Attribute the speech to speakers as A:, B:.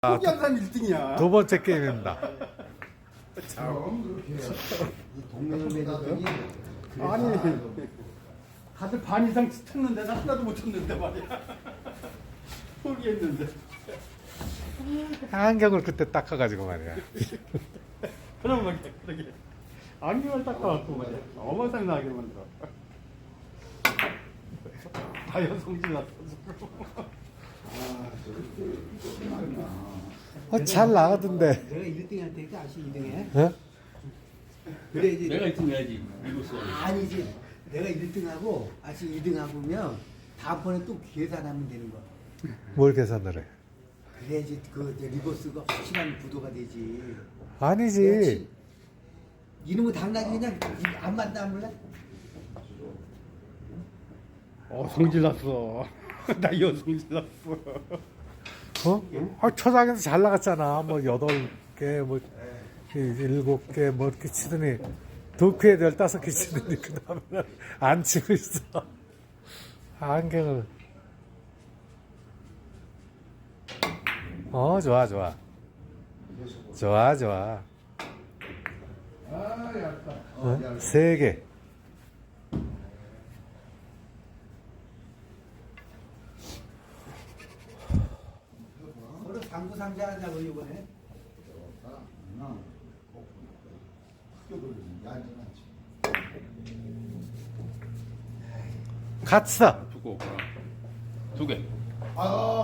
A: 포기한 사람 1등이야.
B: 두 번째 게임입니다.
C: 동맹을 맺었더니
A: 아니, 다들 반 이상 쳤는데 나 하나도 못 쳤는데 말이야. 포기했는데.
B: 안경을 그때 닦아가지고 말이야.
A: 그럼 말이야, 그러게. 안경을 닦아갖고 말이야. 어마상나게 만들어. 다이어 성질 났어.
B: 잘 나가던데.
C: 내가 1등 할 테니까 아시 2등해?
B: 어?
C: 그래 이제
D: 내가 1등 해야지. 이거서.
C: 아니지 내가 1등하고 아시 2등하고면 다음번에 또 계산하면 되는 거야.
B: 뭘 계산을 해?
C: 그래야지 그 이제 리버스가 확실한 구도가 되지.
B: 아니지.
C: 이놈의 당나귀 그냥 안 맞다 안 몰라?
A: 성질 났어. 다이어 성질 났어.
B: 어? 초장에서 잘 나갔잖아. 뭐 8개, 뭐 7개, 뭐 이렇게 치더니 덕후에 15개 치더니 그 다음에는 안 치고 있어. 안경을. 좋아, 좋아. 좋아, 좋아. 어? 3개.
C: 오늘 당구 상자 하자고 이번에.
B: 갔어.
D: 두고 2개.
C: 아